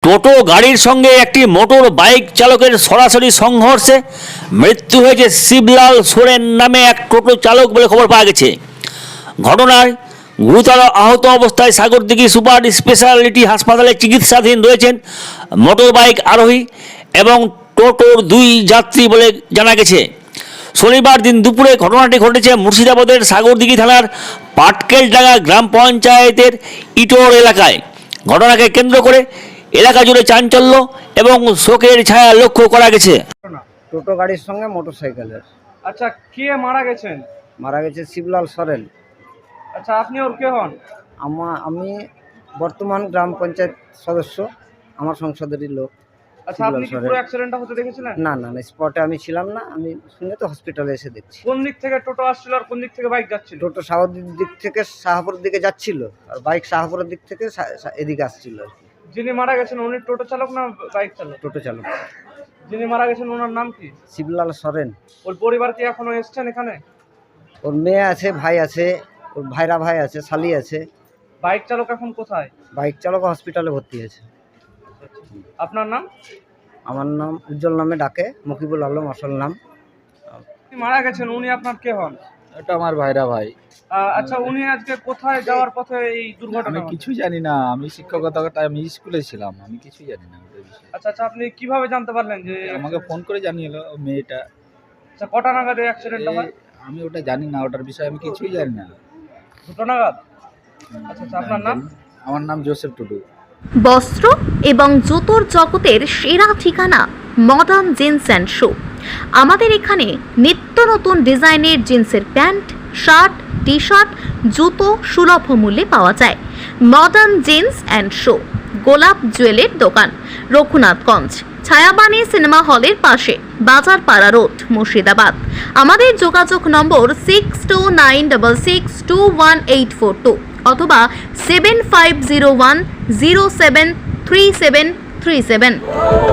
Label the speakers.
Speaker 1: টোটো গাড়ির সঙ্গে একটি মোটর বাইক চালকের সরাসরি সংঘর্ষে মৃত্যু হয়েছে শিবলাল সোরেন নামে এক টোটো চালক বলে খবর পাওয়া গেছে। ঘটনায় গুরুতর আহত অবস্থায় সাগরদিঘি সুপার স্পেশালিটি হাসপাতালে চিকিৎসাধীন রয়েছেন মোটর বাইক আরোহী এবং টোটোর 2 যাত্রী বলে জানা গেছে। শনিবার দিন দুপুরে ঘটনাটি ঘটেছে মুর্শিদাবাদের সাগরদিঘি থানার পাটকেলডাঙ্গা গ্রাম পঞ্চায়েতের ইটোর এলাকায়। ঘটনাকে কেন্দ্র করে এলাকা জুড়ে চাঞ্চল্য এবং শোকের ছায়া লক্ষ্য করা গেছে।
Speaker 2: টোটো গাড়ির সঙ্গে মোটরসাইকেলের।
Speaker 3: আচ্ছা, কে মারা গেছেন?
Speaker 2: মারা গেছে শিবলাল সরেন।
Speaker 3: আচ্ছা, আপনি ওর কে হন?
Speaker 2: আমি বর্তমান গ্রাম পঞ্চায়েত সদস্য, আমার সংসদেরই লোক।
Speaker 3: আচ্ছা, আপনি কি পুরো অ্যাক্সিডেন্টটা হতে দেখেছিলেন?
Speaker 2: না, স্পটে আমি ছিলাম না, আমি শুনে তো হসপিটালে এসে দেখছি।
Speaker 3: কোন দিক থেকে টোটো আসছিল আর কোন দিক থেকে বাইক যাচ্ছিল?
Speaker 2: টোটো সাগরদিঘির দিক থেকে শাহপুরের দিকে যাচ্ছিল আর বাইক শাহপুরের দিক থেকে এদিকে আসছিল আর কি।
Speaker 3: যিনি মারা গেছেন উনি টোটো চালক না বাইক চালক?
Speaker 2: টোটো চালক।
Speaker 3: যিনি মারা গেছেন ওনার নাম কি?
Speaker 2: শিবলাল সরেন।
Speaker 3: ওর পরিবার কি এখনো এসছেন এখানে?
Speaker 2: ওর মেয়ে আছে, ভাই আছে, ওর ভাই আছে, শালি আছে।
Speaker 3: বাইক চালক এখন কোথায়?
Speaker 2: বাইক চালক হসপিটালে ভর্তি আছে।
Speaker 3: আপনার নাম?
Speaker 2: আমার নাম উজ্জ্বল, নামে ডাকে, মকিবুল আলম আসল নাম।
Speaker 3: উনি মারা গেছেন, উনি আপনার কে হন?
Speaker 4: এটা আমার ভাই।
Speaker 3: আচ্ছা, উনি আজকে কোথায় যাওয়ার পথে এই দুর্ঘটনা
Speaker 4: আমি
Speaker 3: হলো?
Speaker 4: কিছু জানি না, আমি শিক্ষকতা, আমি স্কুলে ছিলাম, আমি কিছু জানি না ওটার বিষয়ে।
Speaker 3: আচ্ছা, আপনি কিভাবে জানতে পারলেন যে
Speaker 4: আমাকে ফোন করে জানিয়েলো মেয়েটা।
Speaker 3: আচ্ছা, কটা নাগাদ এই অ্যাক্সিডেন্টটা হয়?
Speaker 4: আমি ওটা জানি না, ওটার বিষয়ে আমি কিছুই জানি না।
Speaker 3: 2টা নাগাদ? আচ্ছা, আপনার নাম?
Speaker 4: আমার নাম জোসেফ টুডু।
Speaker 5: বস্ত্র এবং জুতোর জগতের সেরা ঠিকানা মডার্ন জিন্স অ্যান্ড শু। আমাদের এখানে নিত্য নতুন ডিজাইনের জিন্সের প্যান্ট, শার্ট, টি শার্ট, জুতো সুলভ মূল্যে পাওয়া যায়। মডার্ন জিন্স অ্যান্ড শু, গোলাপ জুয়েলের দোকান, রঘুনাথগঞ্জ, ছায়াবাণী সিনেমা হলের পাশে, বাজার পাড়া রোড, মুর্শিদাবাদ। আমাদের যোগাযোগ নম্বর 6296621842 অথবা 7501073737।